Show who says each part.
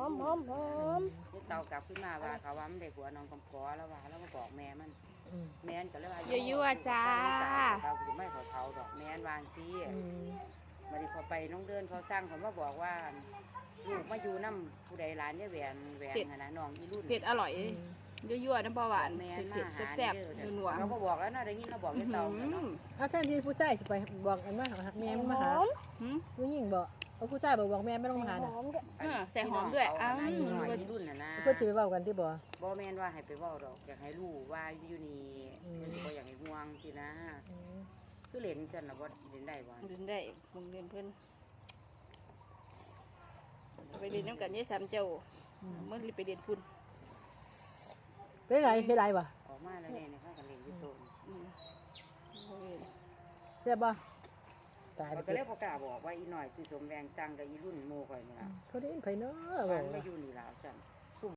Speaker 1: อม
Speaker 2: นี่เตากลับขึ้นมาว่าเขาว่ามันได้ผัวน้องกำพร้อแล้วว่าแล้วก็บอกแม่มันแม่นก็เลยว่า
Speaker 3: ยั่วๆจ้า
Speaker 2: เขาไม่ขอเขาดอกแม่นวางซีมาดิพอไปน้องเดินเขาสร้างเขามาบอกว่าลูกมาอยู่น้ำผู้ใดร้านเนี่ยแหวนนะน้องอีรุ่น
Speaker 3: เผ็ดอร่อยยั่วๆน้ำปลาหวานเผ็ดแซ่บๆนัว
Speaker 2: เราก็บอกแล้วนะได้ยินเราบอกให้เตาเนาะ
Speaker 1: เอาท่านที่ผู้ชายสิไปบอกอันว่าแม่มาหาผู้หญิงบอกเอาผู้ชายบอกแม่ไม่ต้องมาหาน่ะ
Speaker 3: ใส่หอมด้วย
Speaker 2: รุ่นน่ะนะ
Speaker 1: เพื่อจะไปบอกกันที่บ่
Speaker 2: แม่นว่าให้ไปบอกดอกอยากให้รู้ว่าอยู่นี่ก็อยากให้ห่วงสินะคือเล่นกันนะบ่เล่นได้บ่
Speaker 3: เล่นได้มึงเล่นเพิ่นไปเรียนน้ำกันยี่สามเจ้าเมื่อไปเรียนคุณ
Speaker 1: เป็นไรบ่
Speaker 2: ออกมาแล้วเนี่ยข้ากันเล่นอยู่โซน
Speaker 1: เรียบบ่ตาย
Speaker 2: ก็เลยพอกล้าบอกว่าอีหน่อยคือสมแรงจังกับอีรุ่นโมข่อยนี่ล่ะ
Speaker 1: เขาได้ยินไผเนาะ
Speaker 2: มันไม่อยู่นี่แล้วจัง